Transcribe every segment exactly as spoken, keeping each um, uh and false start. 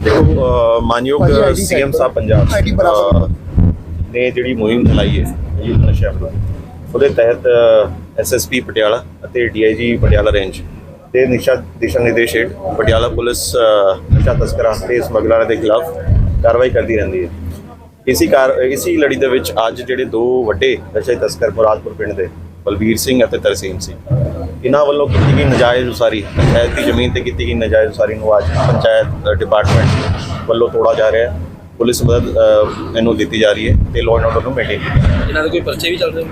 देखो मानयोग सीएम साहब पंजाब ने जिहड़ी मुहिम चलाई है युद्ध नशा विरोधी ਉਹਦੇ ਤਹਿਤ ਐਸਐਸਪੀ ਪਟਿਆਲਾ ਅਤੇ ਡੀਆਈਜੀ ਪਟਿਆਲਾ ਰੇਂਜ ਦੇ ਨਿਸ਼ਾ ਦਿਸ਼ਾ ਨਿਰਦੇਸ਼ ਹੇਠ ਪਟਿਆਲਾ ਪੁਲਿਸ ਨਸ਼ਾ ਤਸਕਰਾਂ ਤੇ ਸਮਗਲਰਾਂ ਦੇ ਖਿਲਾਫ ਕਾਰਵਾਈ ਕਰਦੀ ਰਹਿੰਦੀ ਹੈ। ਇसी ਕਾਰ ਇसी ਲੜੀ ਦੇ ਵਿੱਚ ਅੱਜ ਜਿਹੜੇ ਦੋ ਵੱਡੇ ਨਸ਼ਾ ਤਸਕਰ ਮੁਰਾਦਪੁਰ ਪਿੰਡ ਦੇ ਬਲਵੀਰ ਸਿੰਘ ਅਤੇ ਤਰਸੀਮ ਸਿੰਘ ਇਹਨਾਂ ਵੱਲੋਂ ਕੀਤੀ ਗਈ ਨਜਾਇਜ਼ ਉਸਾਰੀ ਪੰਚਾਇਤ ਦੀ ਜ਼ਮੀਨ ਤੇ ਕੀਤੀ ਗਈ ਨਜਾਇਜ਼ ਉਸਾਰੀ ਨੂੰ ਅੱਜ ਪੰਚਾਇਤ ਡਿਪਾਰਟਮੈਂਟ ਵੱਲੋਂ ਤੋੜਾ ਜਾ ਰਿਹਾ ਹੈ। ਪੁਲਿਸ ਮਦਦ ਇਹਨੂੰ ਦਿੱਤੀ ਜਾ ਰਹੀ ਹੈ ਤੇ ਲਾਅ ਐਂਡ ਆਰਡਰ ਨੂੰ ਮੇਨਟੇਨ ਕੀਤਾ। ਇਹਨਾਂ ਦੇ ਕੋਈ ਪਰਚੇ ਵੀ ਚੱਲ ਰਹੇ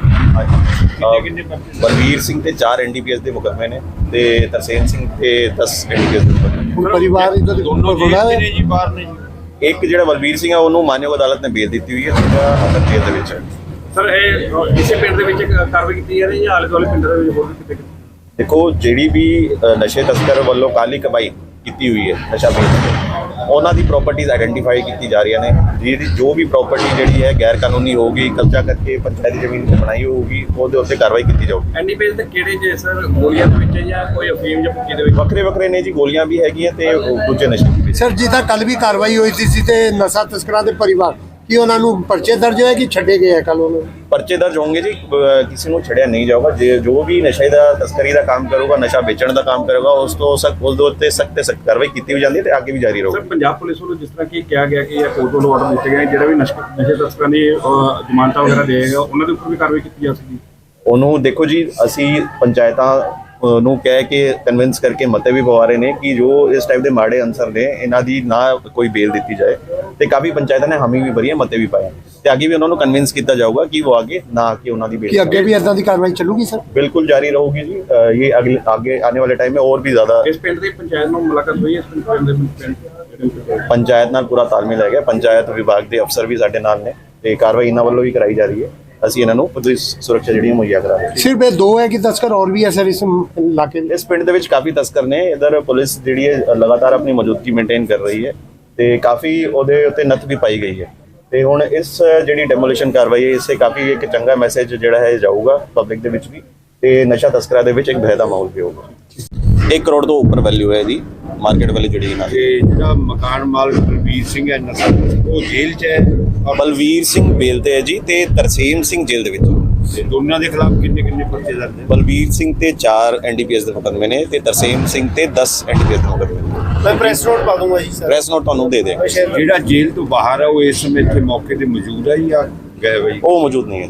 ਹਾਂਜੀ, ਬਲਵੀਰ ਸਿੰਘ ਤੇ ਚਾਰ ਐਨਡੀਪੀਐਸ ਦੇ ਮੁਕੱਦਮੇ ਨੇ ਤੇ ਤਰਸੇਮ ਸਿੰਘ ਤੇ ਦਸ ਐਨਡੀਪੀਐਸ ਦੇ ਮੁਕੱਦਮੇ। ਪਰਿਵਾਰ ਇਧਰ ਦੋਨੋਂ ਜੇਲ੍ਹ ਨੇ ਜੀ, ਬਾਹਰ ਨੇ ਜੀ। ਇੱਕ ਜਿਹੜਾ ਬਲਵੀਰ ਸਿੰਘ ਆ ਉਹਨੂੰ ਮਾਨਯੋਗ ਅਦਾਲਤ ਨੇ ਬੇਲ ਦਿੱਤੀ ਹੋਈ ਹੈ, ਦੂਜਾ ਅੰਦਰ ਜੇਲ੍ਹ ਦੇ ਵਿੱਚ ਹੈ। ਸਰ ਇਹ ਇਸੇ ਪਿੰਡ ਦੇ ਵਿੱਚ ਕਾਰਵਾਈ ਕੀਤੀ ਜਾ ਰਹੀ ਹੈ ਜਾਂ ਆਲੇ ਦੁਆਲੇ ਪਿੰਡ ਦੇ ਵਿੱਚ ਹੋਰ ਵੀ ਕਿਤੇ? ਦੇਖੋ ਜਿਹੜੀ ਵੀ ਨਸ਼ੇ ਤਸਕਰ ਵੱਲੋਂ ਕਾਲੀ ਕਮਾਈ ਕੀਤੀ ਹੋਈ ਹੈ ਨਸ਼ਾ ਵੇਚ ਕੇ ਉਹਨਾਂ ਦੀ ਪ੍ਰਾਪਰਟੀਜ਼ ਆਈਡੈਂਟੀਫਾਈ ਕੀਤੀ ਜਾ ਰਹੀਆਂ ਨੇ। ਜਿਹਦੀ ਜੋ ਵੀ ਪ੍ਰਾਪਰਟੀ ਜਿਹੜੀ ਹੈ ਗੈਰ ਕਾਨੂੰਨੀ ਹੋਊਗੀ, ਕਬਜ਼ਾ ਕਰਕੇ ਪੰਚਾਇਤੀ ਜ਼ਮੀਨ ਤੇ ਬਣਾਈ ਹੋਊਗੀ, ਉਹਦੇ ਉੱਤੇ ਕਾਰਵਾਈ ਕੀਤੀ ਜਾਊਗੀ। ਐਨਡੀਪੀਐਸ ਦੇ ਕਿਹੜੇ ਜੇ ਸਰ ਗੋਲੀਆਂ ਦੇ ਵਿੱਚ ਜਾਂ ਕੋਈ ਅਫੀਮ ਜਾਂ ਭੁੱਕੀ ਦੇ ਵਿੱਚ? ਵੱਖਰੇ ਵੱਖਰੇ ਨੇ ਜੀ, ਗੋਲੀਆਂ ਵੀ ਹੈਗੀਆਂ ਤੇ ਦੂਜੇ ਨਸ਼ੇ ਵੀ। ਸਰ ਜੀ ਤਾਂ ਕੱਲ ਵੀ ਕਾਰਵਾਈ ਹੋਈ ਸੀ ਤੇ ਨਸ਼ਾ ਤਸਕਰਾਂ ਦੇ ਪਰਿਵਾਰ ਕੀ ਉਹਨਾਂ ਨੂੰ ਪਰਚੇ ਦਰਜ ਹੋਏ ਕਿ ਛੱਡੇ ਗਏ ਆ ਕੱਲ ਉਹਨੂੰ? ਪਰਚੇ ਦਰਜ ਹੋਣਗੇ ਜੀ, ਕਿਸੇ ਨੂੰ ਛੱਡਿਆ ਨਹੀਂ ਜਾਊਗਾ। ਜੇ ਜੋ ਵੀ ਨਸ਼ੇ ਦਾ ਤਸਕਰੀ ਦਾ ਕੰਮ ਕਰੂਗਾ, ਨਸ਼ਾ ਵੇਚਣ ਦਾ ਕੰਮ ਕਰੂਗਾ, ਉਸ ਤੋਂ ਸਖਤ ਉਸ ਦੇ ਉੱਤੇ ਸਖਤ ਤੇ ਸਖਤ ਕਾਰਵਾਈ ਕੀਤੀ ਵੀ ਜਾਂਦੀ ਹੈ ਤੇ ਅੱਗੇ ਵੀ ਜਾਰੀ ਰਹੂਗੀ। ਸਰ ਪੰਜਾਬ ਪੁਲਿਸ ਵੱਲੋਂ ਜਿਸ ਤਰ੍ਹਾਂ ਕਿ ਕਿਹਾ ਗਿਆ ਕਿ ਇਹ ਕੋਰਟ ਵੱਲੋਂ ਆਰਡਰ ਦਿੱਤੇ ਗਏ ਜਿਹੜਾ ਵੀ ਨਸ਼ੇ ਤਸਕਰਾਂ ਦੀ ਜ਼ਮਾਨਤਾਂ ਵਗੈਰਾ ਦੇਗਾ ਉਹਨਾਂ ਦੇ ਉੱਪਰ ਵੀ ਕਾਰਵਾਈ ਕੀਤੀ ਜਾ ਸਕਦੀ? ਉਹਨੂੰ ਦੇਖੋ ਜੀ, ਅਸੀਂ ਪੰਚਾਇਤਾਂ ਨੂੰ ਕਹਿ ਕੇ ਕਨਵਿੰਸ ਕਰਕੇ ਮਤੇ ਵੀ ਪਵਾ ਰਹੇ ਨੇ ਕਿ ਜੋ ਇਸ ਟਾਈਪ ਦੇ ਮਾੜੇ ਅਨਸਰ ਨੇ ਇਹਨਾਂ ਦੀ ਨਾ ਕੋਈ ਬੇਲ ਦਿੱਤੀ ਜਾਏ ਤੇ ਕਾਫੀ ਪੰਚਾਇਤਾਂ ਨੇ ਹਾਮੀ ਵੀ ਭਰੀ ਹੈ, ਮਤੇ ਵੀ ਪਾਏ ਤੇ ਅੱਗੇ ਵੀ ਉਹਨਾਂ ਨੂੰ ਕਨਵਿੰਸ ਕੀਤਾ ਜਾਊਗਾ ਕਿ ਉਹ ਅੱਗੇ ਨਾ ਆ ਕੇ ਉਹਨਾਂ ਦੀ ਬੇਲ। ਕਿ ਅੱਗੇ ਵੀ ਇਦਾਂ ਦੀ ਕਾਰਵਾਈ ਚੱਲੂਗੀ ਸਰ? ਬਿਲकुल जारी रहेगी जी। ये अगले आगे आने वाले टाइम में और भी ज्यादा। ਇਸ ਪਿੰਡ ਦੀ ਪੰਚਾਇਤ ਨਾਲ ਮੁਲਾਕਾਤ ਹੋਈ? ਇਸ ਪਿੰਡ ਦੇ ਪਿੰਡ ਪੰਚਾਇਤ ਨਾਲ ਪੂਰਾ ਤਾਲਮੇਲ ਹੈਗਾ। ਪੰਚਾਇਤ ਵਿਭਾਗ ਦੇ ਅਫਸਰ ਵੀ ਸਾਡੇ ਨਾਲ ਨੇ ਤੇ ਕਾਰਵਾਈ ਇਹਨਾਂ ਵੱਲੋਂ ਵੀ ਕਰਾਈ ਜਾ ਰਹੀ ਹੈ। ਅਸੀਂ ਇਹਨਾਂ ਨੂੰ ਪੂਰੀ ਸੁਰੱਖਿਆ ਜਿਹੜੀ ਮੁਹੱਈਆ ਕਰਾ ਰਹੇ ਹਾਂ। ਸਿਰਫ ਇਹ ਦੋ ਹੈ ਕਿ ਤਸਕਰ ਹੋਰ ਵੀ ਹੈ ਸਰ ਇਸ ਇਲਾਕੇ ਦੇ? ਇਸ ਪਿੰਡ ਦੇ ਵਿੱਚ ਕਾਫੀ ਤਸਕਰ ਨੇ। ਇਧਰ ਪੁਲਿਸ ਜਿਹੜੀ ਹੈ ਲਗਾਤਾਰ ਆਪਣੀ ਮੌਜੂਦਗੀ ਮੇਨਟੇਨ ਕਰ ਰਹੀ ਹੈ ਤੇ ਕਾਫੀ ਉਹਦੇ ਉੱਤੇ ਨੱਥ ਵੀ ਪਾਈ ਗਈ ਹੈ ਤੇ ਹੁਣ ਇਸ ਜਿਹੜੀ ਡੈਮੋਲੀਸ਼ਨ ਕਾਰਵਾਈ ਹੈ ਇਸੇ ਕਾਫੀ ਇੱਕ ਚੰਗਾ ਮੈਸੇਜ ਜਿਹੜਾ ਹੈ ਜਾਊਗਾ ਪਬਲਿਕ ਦੇ ਵਿੱਚ ਵੀ ਤੇ ਨਸ਼ਾ ਤਸਕਰਾਂ ਦੇ ਵਿੱਚ ਇੱਕ ਭੈ ਦਾ ਮਾਹੌਲ ਵੀ ਹੋਊਗਾ। ਇੱਕ ਕਰੋੜ ਤੋਂ ਉੱਪਰ ਵੈਲਿਊ ਹੈ ਇਹਦੀ ਮਾਰਕੀਟ ਵਾਲੀ ਜਿਹੜੀ ਇਹਨਾਂ ਦੀ। ਜਿਹੜਾ ਮਕਾਨ ਮਾਲਕ ਬਲਵੀਰ ਸਿੰਘ ਹੈ ਨਸ਼ਾ ਉਹ ਜੇਲ੍ਹ 'ਚ ਹੈ, ਬਲਵੀਰ ਸਿੰਘ ਬੇਲ ਤੇ ਹੈ ਜੀ ਤੇ ਤਰਸੇਮ ਸਿੰਘ ਜੇਲ੍ਹ ਦੇ ਵਿੱਚ। ਤੇ ਦੋਨਾਂ ਦੇ ਖਿਲਾਫ ਕਿੰਨੇ ਕਿੰਨੇ ਪਰਚੇ ਦਰਜ ਨੇ? ਬਲਵੀਰ ਸਿੰਘ ਤੇ ਚਾਰ ਐਨਡੀਪੀਐਸ ਦੇ ਮੁਕੱਦਮੇ ਨੇ ਤੇ ਤਰਸੇਮ ਸਿੰਘ ਤੇ ਦਸ ਐਨਡੀਪੀਐਸ ਦੇ ਮੁਕੱਦਮੇ ਨੇ। ਮੈਂ ਪ੍ਰੈਸ ਨੋਟ ਪਾ ਦੂੰਗਾ ਜੀ ਸਰ। ਪ੍ਰੈਸ ਨੋਟ ਤੁਹਾਨੂੰ ਦੇ ਦੇਂਗੇ। ਜਿਹੜਾ ਜੇਲ੍ਹ ਤੋਂ ਬਾਹਰ ਹੈ ਉਹ ਇਸ ਸਮੇਂ ਇੱਥੇ ਮੌਕੇ ਤੇ ਮੌਜੂਦ ਹੈ ਜਾਂ ਗਏ ਹੋਏ? ਉਹ ਮੌਜੂਦ ਨਹੀਂ ਹੈ।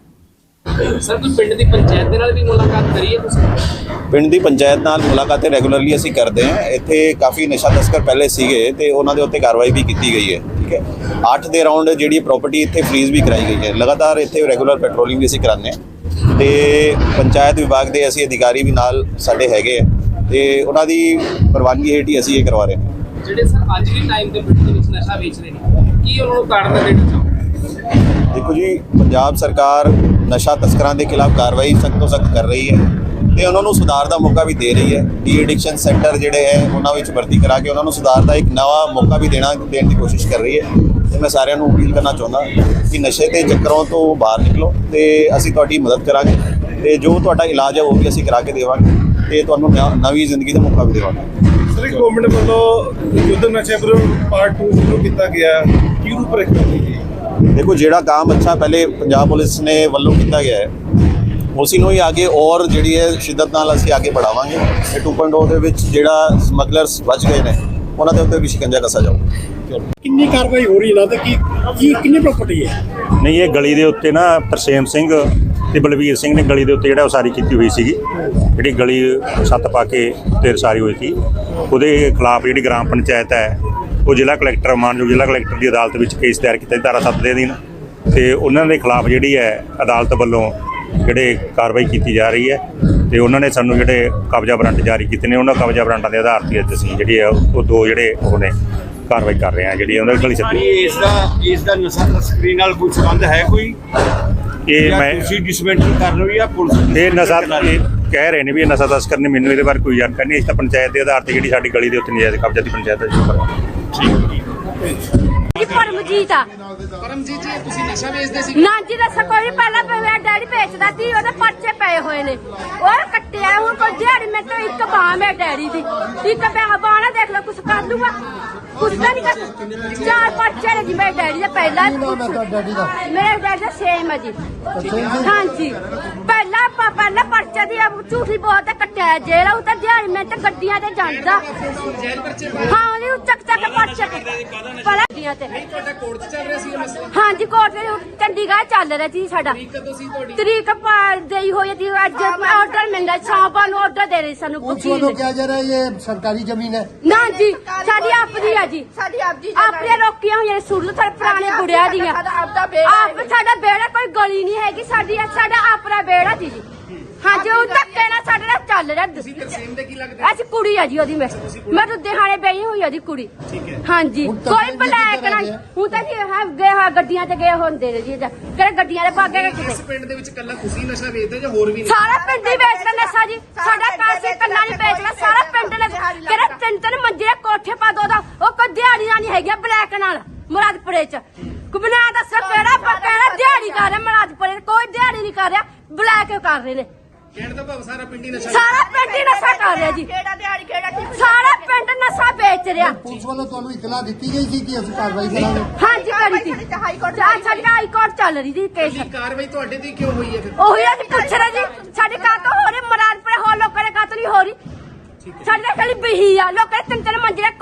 ਸਰ ਤੁਸੀਂ ਪਿੰਡ ਦੀ ਪੰਚਾਇਤ ਦੇ ਨਾਲ ਵੀ ਮੁਲਾਕਾਤ ਕਰੀ ਹੈ ਤੁਸੀਂ? ਪਿੰਡ ਦੀ ਪੰਚਾਇਤ ਨਾਲ ਮੁਲਾਕਾਤਾਂ ਰੈਗੂਲਰਲੀ ਅਸੀਂ ਕਰਦੇ ਹਾਂ। ਇੱਥੇ ਕਾਫੀ ਨਸ਼ਾ ਤਸਕਰ ਪਹਿਲੇ ਸੀਗੇ ਤੇ ਉਹਨਾਂ ਦੇ ਉੱਤੇ ਕਾਰਵਾਈ ਵੀ ਕੀਤੀ ਗਈ ਹੈ। ਠੀਕ ਹੈ, ਅੱਠ ਦੇ ਰਾਉਂਡ ਜਿਹੜੀ ਪ੍ਰਾਪਰਟੀ ਇੱਥੇ ਫਰੀਜ਼ ਵੀ ਕਰਾਈ ਗਈ ਹੈ। ਲਗਾਤਾਰ ਇੱਥੇ ਰੈਗੂਲਰ ਪੈਟਰੋਲਿੰਗ ਵੀ ਅਸੀਂ ਕਰਾਉਂਦੇ ਹਾਂ ਤੇ ਪੰਚਾਇਤ ਵਿਭਾਗ ਦੇ ਅਸੀਂ ਅਧਿਕਾਰੀ ਵੀ ਨਾਲ ਸਾਡੇ ਹੈਗੇ ਆ ਤੇ ਉਹਨਾਂ ਦੀ ਪ੍ਰਵਾਨਗੀ ਹੇਠ ਹੀ ਅਸੀਂ ਇਹ ਕਰਵਾ ਰਹੇ ਹਾਂ। ਜਿਹੜੇ ਸਰ ਅੱਜ ਵੀ ਟਾਈਮ ਦੇ ਪਿੰਡ ਦੇ ਵਿੱਚ ਨਸ਼ਾ ਵੇਚ ਰਹੇ ਨੇ ਕੀ ਉਹਨਾਂ ਨੂੰ ਕਾਰਨ ਦੇਣਾ ਚਾਹੋਗੇ? ਦੇਖੋ ਜੀ, ਪੰਜਾਬ ਸਰਕਾਰ ਨਸ਼ਾ ਤਸਕਰਾਂ ਦੇ ਖਿਲਾਫ ਕਾਰਵਾਈ ਸਖਤ ਤੋਂ ਸਖਤ ਕਰ ਰਹੀ ਹੈ ਤੇ ਉਹਨਾਂ ਨੂੰ ਸੁਧਾਰ ਦਾ ਮੌਕਾ ਵੀ ਦੇ ਰਹੀ ਹੈ। ਡੀ ਐਡਿਕਸ਼ਨ ਸੈਂਟਰ ਜਿਹੜੇ ਹੈ ਉਹਨਾਂ ਵਿੱਚ ਭਰਤੀ ਕਰਾ ਕੇ ਉਹਨਾਂ ਨੂੰ ਸੁਧਾਰ ਦਾ ਇੱਕ ਨਵਾਂ ਮੌਕਾ ਵੀ ਦੇਣਾ ਦੇਣ ਦੀ ਕੋਸ਼ਿਸ਼ ਕਰ ਰਹੀ ਹੈ ਤੇ ਮੈਂ ਸਾਰਿਆਂ ਨੂੰ ਅਪੀਲ ਕਰਨਾ ਚਾਹੁੰਦਾ ਕਿ ਨਸ਼ੇ ਦੇ ਚੱਕਰਾਂ ਤੋਂ ਬਾਹਰ ਨਿਕਲੋ ਤੇ ਅਸੀਂ ਤੁਹਾਡੀ ਮਦਦ ਕਰਾਂਗੇ ਤੇ ਜੋ ਤੁਹਾਡਾ ਇਲਾਜ ਹੈ ਉਹ ਵੀ ਅਸੀਂ ਕਰਾ ਕੇ ਦੇਵਾਂਗੇ ਤੇ ਤੁਹਾਨੂੰ ਨਵੀਂ ਜ਼ਿੰਦਗੀ ਦਾ ਮੌਕਾ ਵੀ ਦੇਵਾਂਗੇ। ਸਰ ਗਵਰਨਮੈਂਟ ਵੱਲੋਂ ਯੁੱਧ ਨਸ਼ੇ ਵਿਰੁੱਧ ਪਾਰਟ ਟੂ ਸ਼ੁਰੂ ਕੀਤਾ ਗਿਆ, ਕੀ ਰੂਪ ਰੇਖਾ ਹੋਵੇਗੀ? ਦੇਖੋ, ਜਿਹੜਾ ਕੰਮ ਅੱਛਾ ਪਹਿਲੇ ਪੰਜਾਬ ਪੁਲਿਸ ਨੇ ਵੱਲੋਂ ਕੀਤਾ ਗਿਆ ਹੈ ਉਸੇ ਨੂੰ ਹੀ ਅੱਗੇ ਔਰ ਜਿਹੜੀ ਹੈ ਸ਼ਿੱਦਤ ਨਾਲ ਅਸੀਂ ਅੱਗੇ ਵਧਾਵਾਂਗੇ। ਇਹ ਟੂ ਪੁਆਇੰਟ ਓ ਦੇ ਵਿੱਚ ਜਿਹੜਾ ਸਮਗਲਰਸ ਬਚ ਗਏ ਨੇ ਉਹਨਾਂ ਦੇ ਉੱਤੇ ਵੀ ਸ਼ਿਕੰਜਾ ਕੱਸਿਆ ਜਾਊਗਾ। ਕਿੰਨੀ ਕਾਰਵਾਈ ਹੋ ਰਹੀ ਹੈ ਨਾ ਤੇ ਕੀ ਕੀ ਕਿੰਨੀ ਪ੍ਰਾਪਰਟੀ ਹੈ? ਨਹੀਂ, ਇਹ ਗਲੀ ਦੇ ਉੱਤੇ ਨਾ ਤਰਸੇਮ ਸਿੰਘ ਤੇ ਬਲਵੀਰ ਸਿੰਘ ਨੇ ਗਲੀ ਦੇ ਉੱਤੇ ਜਿਹੜਾ ਉਸਾਰੀ ਕੀਤੀ ਹੋਈ ਸੀਗੀ, ਜਿਹੜੀ ਗਲੀ ਛੱਤ ਪਾ ਕੇ ਤੇ ਉਸਾਰੀ ਹੋਈ ਸੀ, ਉਹਦੇ ਖਿਲਾਫ ਜਿਹੜੀ ਗ੍ਰਾਮ ਪੰਚਾਇਤ ਹੈ ਉਹ ਜ਼ਿਲ੍ਹਾ ਕਲੈਕਟਰ ਮਾਨਯੋਗ ਜ਼ਿਲ੍ਹਾ ਕਲੈਕਟਰ ਦੀ ਅਦਾਲਤ ਵਿੱਚ ਕੇਸ ਦਾਇਰ ਕੀਤਾ ਧਾਰਾ ਸੱਤ ਦੇ ਅਧੀਨ ਤੇ ਉਹਨਾਂ ਦੇ ਖਿਲਾਫ ਜਿਹੜੀ ਹੈ ਅਦਾਲਤ ਵੱਲੋਂ ਜਿਹੜੇ ਕਾਰਵਾਈ ਕੀਤੀ ਜਾ ਰਹੀ ਹੈ ਤੇ ਉਹਨਾਂ ਨੇ ਸਾਨੂੰ ਜਿਹੜੇ ਕਬਜ਼ਾ ਵਾਰੰਟ ਜਾਰੀ ਕੀਤੇ ਨੇ ਉਹਨਾਂ ਕਬਜ਼ਾ ਵਾਰੰਟਾਂ ਦੇ ਆਧਾਰ ਤੇ ਅੱਜ ਅਸੀਂ ਜਿਹੜੇ ਆ ਉਹ ਦੋ ਜਿਹੜੇ ਉਹ ਨੇ ਕਾਰਵਾਈ ਕਰ ਰਹੇ ਹਾਂ ਜਿਹੜੀ ਉਹਨਾਂ ਦੀ ਗਲੀ ਛੱਤੀ। ਇਸ ਦਾ ਇਸ ਦਾ ਨਸ਼ਾ ਤਸਕਰੀ ਨਾਲ ਕੋਈ ਸੰਬੰਧ ਹੈ? ਕੋਈ ਇਹ ਮੈਂ ਤੁਸੀਂ ਡਿਸਮੈਂਟਲ ਕਰ ਰਹੇ ਹੋ ਜਾਂ ਪੁਲਿਸ? ਇਹ ਨਸ਼ਾ ਇਹ ਕਹਿ ਰਹੇ ਨੇ ਵੀ ਇਹ ਨਸ਼ਾ ਤਸਕਰ ਨੇ, ਮੈਨੂੰ ਇਹਦੇ ਬਾਰੇ ਕੋਈ ਜਾਣਕਾਰੀ ਨਹੀਂ। ਇਸ ਤਾਂ ਪੰਚਾਇਤ ਦੇ ਆਧਾਰ ਤੇ ਜਿਹੜੀ ਸਾਡੀ ਗਲੀ ਦੇ ਉੱਤੇ ਨਜਾਇਜ਼ ਕਬਜ਼ਾ ਦੀ ਪੰਚਾਇਤ ਹੈ ਜੀ। ਜੀ ਪਰਮਜੀਤ ਆ। ਪਰਮਜੀਤ ਜੀ ਤੁਸੀਂ ਨਸ਼ਾ ਵੇਚਦੇ ਸੀ? ਨਾ ਜੀ ਦੱਸੋ ਕੋਈ ਪਹਿਲਾਂ ਮੇਰਾ ਡੈਡੀ ਵੇਚਦਾ ਸੀ, ਉਹਦੇ ਪਰਚੇ ਪਏ ਹੋਏ ਨੇ, ਉਹ ਕੱਟਿਆ ਹੁਣ ਕੋਈ ਦਿਹਾੜੀ ਮੈਂ ਤਾਂ ਇੱਕ ਬਾਂਹ ਮੇਰੇ ਡੈਡੀ ਦੀ, ਇੱਕ ਬਾਂਹ ਦੇਖ ਲਓ ਕੁਛ ਕਰ ਲੂਗਾ। ਕੁਝ ਤਾਂ ਨਹੀਂ ਕਰ ਚਾਰ ਪਰਚੇ ਨੇ ਜੀ ਮੇਰੇ ਡੈਡੀ ਦਾ ਪਹਿਲਾਂ ਨਾਮ ਹੈ ਤੁਹਾਡੇ ਡੈਡੀ ਦਾ? ਮੇਰੇ ਡੈਡੀ ਦਾ ਸੇਮ ਹੈ ਜੀ ਹਾਂਜੀ ਪਹਿਲਾਂ ਪਾ ਪਹਿਲਾਂ ਪਰਚੇ ਦੀ ਝੂਠੀ ਬਹੁਤ ਕੱਟਿਆ ਜੇਲ੍ਹ ਉਹ ਤਾਂ ਦਿਹਾੜੀ ਮੈਂ ਤਾਂ ਗੱਡੀਆਂ ਤੇ ਜਾਂਦਾ ਹਾਂ ਉਹਨੇ ਚੱਕ ਚੱਕ ਪਰਚੇ ਪਹਿਲਾਂ ਗੱਡੀਆਂ ਤੇ ਹਾਂਜੀ ਕੋਰਟ ਵਿੱਚ ਚੰਡੀਗੜ੍ਹ ਚੱਲ ਰਿਹਾ ਸੀ ਸਾਡਾ ਤਰੀਕ ਦੇਈ ਹੋਈ ਸੀ ਅੱਜ ਆਰਡਰ ਮਿਲਦਾ ਸ਼ਾਮ ਨੂੰ ਆਰਡਰ ਦੇ ਰਹੇ ਸਾਨੂੰ ਪੁਲਿਸ ਵੱਲੋਂ ਕਿਹਾ ਜਾ ਰਿਹਾ ਇਹ ਸਰਕਾਰੀ ਜ਼ਮੀਨ ਹੈ। ਨਾ ਜੀ ਸਾਡੀ ਆਪਦੀ ਆ ਜੀ ਸਾਡੀ ਆਪਦੀ ਆਪਣੇ ਰੋਕੀਆਂ ਹੋਈਆਂ ਸੁਣ ਲਓ ਸਾਡੇ ਪੁਰਾਣੇ ਬੁੜਿਆਂ ਦੀਆਂ ਆਪ ਸਾਡਾ ਬੇੜਾ ਕੋਈ ਗਲੀ ਨਹੀਂ ਹੈਗੀ ਸਾਡੀ ਸਾਡਾ ਆਪਣਾ ਬੇੜਾ ਸੀ ਜੀ ਹਾਂਜੀ ਉਹ ਧੱਕੇ ਨਾਲ ਸਾਡੇ ਨਾਲ ਚੱਲ ਰਿਹਾ ਅਸੀਂ ਕੁੜੀ ਆ ਜੀ ਉਹਦੀ ਮੈਂ ਮੈਂ ਤਾਂ ਦਿਹਾੜੇ ਬਈ ਹੋਈ ਉਹਦੀ ਕੁੜੀ ਹਾਂਜੀ ਕੋਈ ਬਲੈਕ ਨਾ ਹੁਣ ਤਾਂ ਜੀ ਹਾਂ ਗਏ ਗੱਡੀਆਂ ਤੇ ਗਏ ਹੁੰਦੇ ਨੇ ਜੀ ਕਿਹੜੇ ਗੱਡੀਆਂ ਦੇ ਭਾਗੇ ਇਸ ਪਿੰਡ ਦੇ ਵਿੱਚ ਕੱਲਾ ਤੁਸੀਂ ਨਸ਼ਾ ਵੇਚਦੇ ਜਾਂ ਹੋਰ ਵੀ ਸਾਰਾ ਪਿੰਡ ਹੀ ਵੇਚਦਾ ਨਸ਼ਾ ਜੀ ਸਾਡਾ ਕਾਸੇ ਕੱਲਾ ਨਹੀਂ ਵੇਚਦਾ ਸਾਰਾ ਪਿੰਡ ਨੇ ਕਿਹੜਾ ਤਿੰਨ ਤਿੰਨ ਮੰਜੇ ਕੋਠੇ ਪਾ ਦੋ ਦਾ ਉਹ ਕੋਈ ਦਿਹਾੜੀ ਨਾਲ ਨਹੀਂ ਹੈਗੀ ਬਲੈਕ ਨਾਲ ਮੁਰਾਦਪੁਰੇ ਚ ਕੁਬਨਾ ਦੱਸ ਕਿਹੜਾ ਕਿਹੜਾ ਦਿਹਾੜੀ ਕਰ ਰਿਹਾ ਮੁਰਾਦਪੁਰੇ ਕੋਈ ਦਿਹਾੜੀ ਨਹੀਂ ਕਰ ਰਿਹਾ ਬਲੈਕ ਕਰ ਰਹੇ ਨੇ ਕਹਿਣ ਦਾ ਭਾਵ ਸਾਰਾ ਪਿੰਡ ਹੀ ਨਸ਼ਾ ਸਾਰਾ ਪਿੰਡ ਹੀ ਨਸ਼ਾ ਕਰ ਰਿਹਾ ਜੀ ਕਿਹੜਾ ਦਿਹਾੜੀ ਕਿਹੜਾ ਸਾਰਾ ਪਿੰਡ ਨਸ਼ਾ ਵੇਚ ਰਿਹਾ ਪੁਲਿਸ ਵੱਲੋਂ ਤੁਹਾਨੂੰ ਇਤਲਾਹ ਦਿੱਤੀ ਗਈ ਸੀ ਕਿ ਅਸੀਂ ਕਾਰਵਾਈ ਕਰਾਂਗੇ? ਹਾਂਜੀ ਕਰੀ ਸੀ ਹਾਈ ਕੋਰਟ ਸਾਡੀ ਹਾਈ ਕੋਰਟ ਚੱਲ ਰਹੀ ਜੀ ਕੇਸ ਕੀ ਕਾਰਵਾਈ ਤੁਹਾਡੇ ਤੇ ਕਿਉਂ ਹੋਈ ਹੈ ਫਿਰ ਉਹੀ ਅਸੀਂ ਪੁੱਛ ਰਹੇ ਜੀ ਸਾਡੇ ਕਾਤੋਂ ਹੋ ਰਹੀ ਮਰਾਦਪੁਰੇ ਹੋਰ ਲੋਕਾਂ ਦੇ ਕਾਤੋਂ ਨਹੀਂ ਹੋ ਰਹੀ ਸਾਡੇ ਖਾਲੀ ਬਹੀ ਆ ਲੋਕਾਂ ਦੇ ਤਿੰਨ ਤਿੰਨ ਮੰਜੇ